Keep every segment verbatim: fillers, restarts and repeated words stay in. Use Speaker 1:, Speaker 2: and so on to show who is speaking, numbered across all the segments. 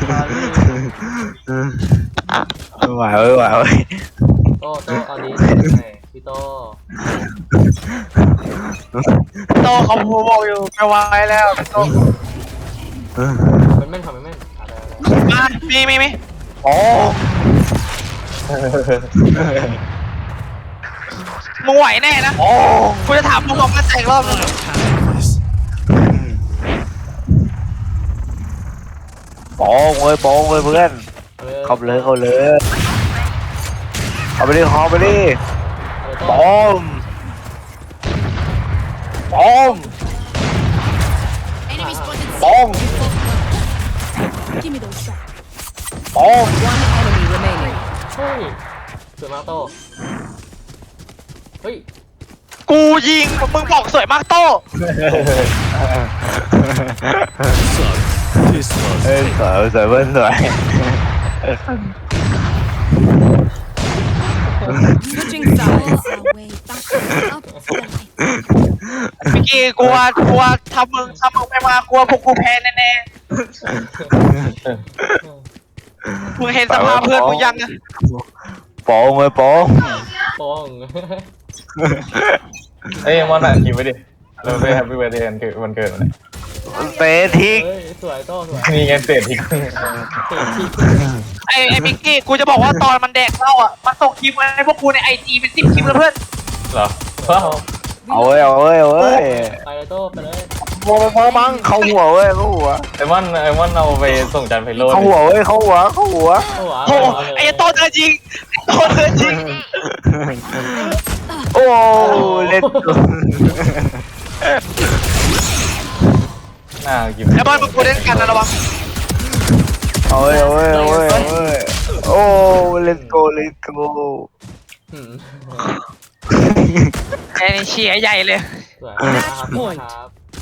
Speaker 1: ไม่ไหวไม่ไหวเว้ย
Speaker 2: โต้โต้เอาดีพี่โต้
Speaker 3: โตเขาพูดบอกอยู่ไม่ไหวแล้วโต
Speaker 2: มันแม่นทำมันแม่นอะไร
Speaker 3: มามีมีมี
Speaker 1: โอ้
Speaker 3: มึงไหวแน่นะ
Speaker 1: โอ้
Speaker 3: กูจะถามมึงบอกมาแต่งรอบนึง
Speaker 1: โป้งเลยโป้งเลยเพื่อนเข้าไปเลยเข้าเลยเข้าไปดิเข้าไปดิโป้งโป้งโป้งโป้ง
Speaker 4: One enemy remaining.
Speaker 2: เฮ้ยสวยมากโต้เฮ้ย
Speaker 3: กูยิงมึงบอกสวยมากโต
Speaker 1: เฮ้ยสวยสวยเพื่อนสวย
Speaker 4: Switching sides.
Speaker 3: เมื่อกี้กลัวกลัวทำมึงทำมึงไม่มากลัวพวกกูแพ้แน่ๆมึงเห็นสภาพเพื่อนมึงยังอะ
Speaker 1: โป้งเลยโป้ง
Speaker 2: โป้ง
Speaker 5: เอ้ยมอนอ่ะคิวไว้ดิเราไปแฮปปี้เบิร์ดเดย์วันเกิดวันเกิดมัน
Speaker 1: เตะทิ้ง
Speaker 2: เฮ้ยสวยโต้สวย
Speaker 5: นี่ไงเศษทิ้ง
Speaker 2: เตะที่
Speaker 3: ไอ้ไอ้มิกกี้กูจะบอกว่าตอนมันแดกเหล้าอ่ะมันส่งคลิปมาให้พวกกูในไอจีเป็นสิบคลิปแล้วเพื่อน
Speaker 5: เหรอว้าว
Speaker 1: เอาเว้ยเอาเว้ยเอาเว้ย
Speaker 2: ไปเลยโต้ไปเลย
Speaker 1: โมไปพอมั้งเข้าหัวเว้ยเข้าหัว
Speaker 5: ไอมอนไอมอนเอาไปส่งจานไพโรจน์
Speaker 1: เข้าหัวเว้ยเข้าหัวเข้าหัว
Speaker 2: โอ้โห
Speaker 3: โอ้ไอ้โตเธอจริงโตเธอจริง
Speaker 1: โอ้เล่น
Speaker 5: น่ากิน
Speaker 3: ไอ้บอลมึงกูเล่นกันนะระวัง
Speaker 1: เอาเว้ยเอาเว้ยเอาเว้ยเอาเว้ยโอ้เล่นโกเล่นโก
Speaker 3: ไอ้นี่เชียร์ใหญ่เลย
Speaker 2: สวยครับครับ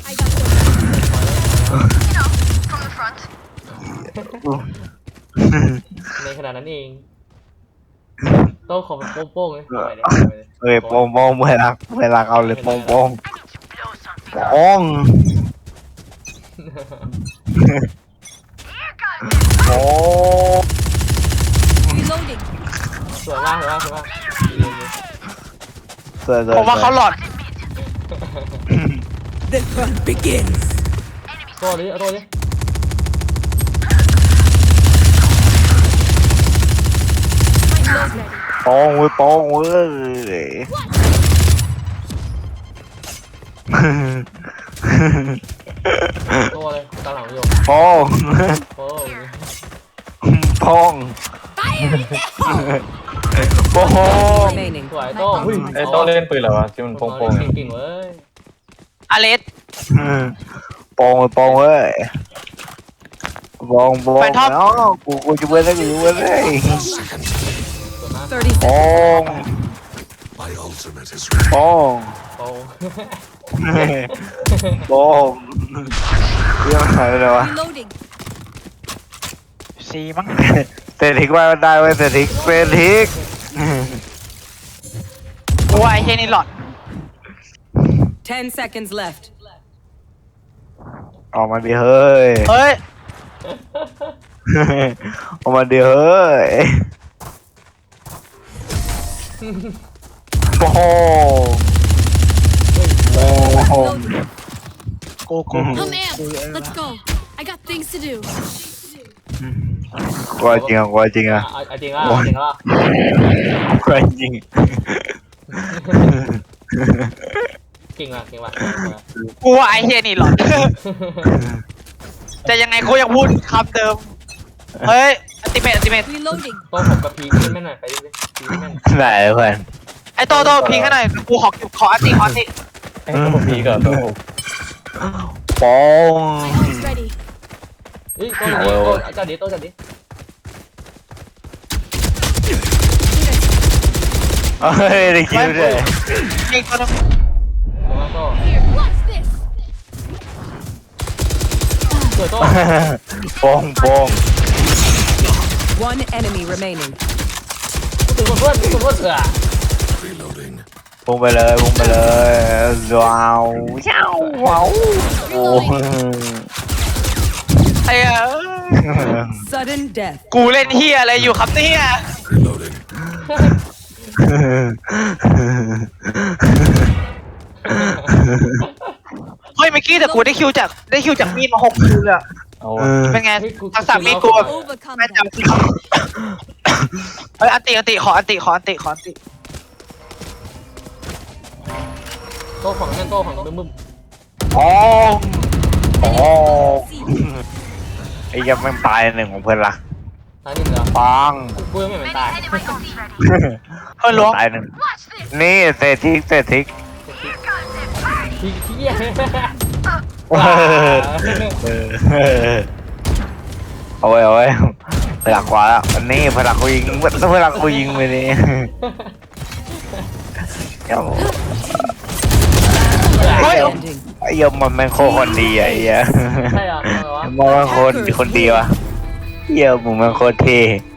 Speaker 2: ในขนาดนั้นเองโต้ขอเป็นโป้งๆเลยไปเลยไปเลย
Speaker 1: เฮ้ยโป้งโป้งเวลาเวลาเอาเลยโป้งโป้งโป้งโอ้
Speaker 4: Reloading.
Speaker 2: สวยมากสวยมากสวยมาก
Speaker 1: สวยสวย
Speaker 3: ผมว่าเขาหลอด
Speaker 4: The fun begins.
Speaker 2: โต้ดิเอาโต้ดิ
Speaker 1: โป้งเว้ยโป้งเว้ย
Speaker 2: โต้เลยตาหลังอยู่
Speaker 1: โป้ง
Speaker 2: โป้ง
Speaker 1: โป้งโป้ง
Speaker 4: Remaining.
Speaker 2: สวยโต้
Speaker 5: ไอโต้เล่นปืนเหรอวะที่มันโป่งๆ
Speaker 2: เก่งๆเว้ย
Speaker 3: อเลส
Speaker 1: โป้งโป้งเว้ยโป้งโป้งเนาะกูกูจะเว้ยได้กูจะเว้ยได้
Speaker 4: Thirty
Speaker 1: โป้
Speaker 4: seconds.
Speaker 1: งโป้ง
Speaker 2: โป้ง
Speaker 1: โป้งเรื่องอะไรเลยวะ
Speaker 4: Reloading.
Speaker 3: สีมั้ง
Speaker 1: เศรษฐิกว่าได้เว้ยเศรษฐิกเศรษฐิก
Speaker 3: กูว่าไอ้เฮียนี่หลอด
Speaker 4: Ten seconds left.
Speaker 1: ออกมาดิเฮ้ย
Speaker 3: เฮ้ย
Speaker 1: ออกมาดิเฮ้ยโป้งโป้ง
Speaker 3: โกโก้
Speaker 6: I'm amped. Let's go. I got things to do.
Speaker 1: กลัวจริงอ่ะกลัวจริงอ่ะ
Speaker 2: เอาจริงอ่ะจริงอ่ะ
Speaker 1: กลัวจริง
Speaker 2: เก่งว่ะเก่งว่ะ
Speaker 3: กูว่าไอ้เฮียนี่หลอดแต่ยังไงกูยังพูดคำเดิมเฮ้ยอัติเมตอัติเมต
Speaker 4: Reloading.
Speaker 2: โต้ผมกับพีขึ้นไม่หน่อยไปดิพีไม่หน่อย
Speaker 1: ไหนเพื่อน
Speaker 3: ไอ้โตโตพิงให้หน่อยกูขอขออัติขออัติ
Speaker 5: ไอโต้พีกับโต้
Speaker 1: โป้ง
Speaker 6: My ult's ready.
Speaker 2: เฮ้ยโต้ดิโต้จัดดิโต้จัดดิ
Speaker 1: เฮ้ยได้คิวด้วย
Speaker 3: ยิงตัวนึง
Speaker 2: มาโต้
Speaker 6: Here, watch this.
Speaker 2: สวยโต้
Speaker 1: โป้งโป้ง
Speaker 4: One enemy remaining.
Speaker 2: ถึงเพื่อนถึงเพื่อนเถอะ
Speaker 1: พุ่งไปเลยพุ่งไปเลยว้าวเจ้าว้าวโอ้
Speaker 3: ไอ้เอ้ย
Speaker 4: Sudden death.
Speaker 3: กูเล่นเฮียอะไรอยู่ครับเนี่ยเฮ้ยเมื่อกี้แต่กูได้คิวจากได้คิวจากมีดมาหกคิวเลยอะ
Speaker 5: เอา
Speaker 3: เป็นไง
Speaker 2: เฮ้ยกู
Speaker 3: ทักษะมีดกู
Speaker 6: Overcome
Speaker 3: แม่
Speaker 6: them.
Speaker 3: จำเฮ้ยอันติอันติขออันติขออันติขออันติ
Speaker 2: โต้ของนั่นโต้ของบึ้มบึ้ม
Speaker 1: อ๋ออ๋อไอ้ยังไม่ตายหนึ่งของเพื่อนละ
Speaker 2: ตายหนึ่งเหรอ
Speaker 1: ปัง
Speaker 2: กูยังไม่เหมือนตาย
Speaker 3: เฮ้ยล้วง
Speaker 1: ตายหนึ่งนี่เศษทิกเศษทิก
Speaker 2: ที่ที่เหี้ย
Speaker 1: เออเอาไว้เอาไว้พลักกว่าแล้วอันนี้พลักกูยิงถ้าพลักกูยิงไปนี่เดี๋ยว
Speaker 4: Standing.
Speaker 1: ไอ้เหี้ยมันแม่งโคตรคนดีอะไอ้เหี้ย
Speaker 2: ใช่เหรอทำไมวะ
Speaker 1: มันแม่งโคตรคนดีวะเหี้ยมึงแม่งโคตรเท่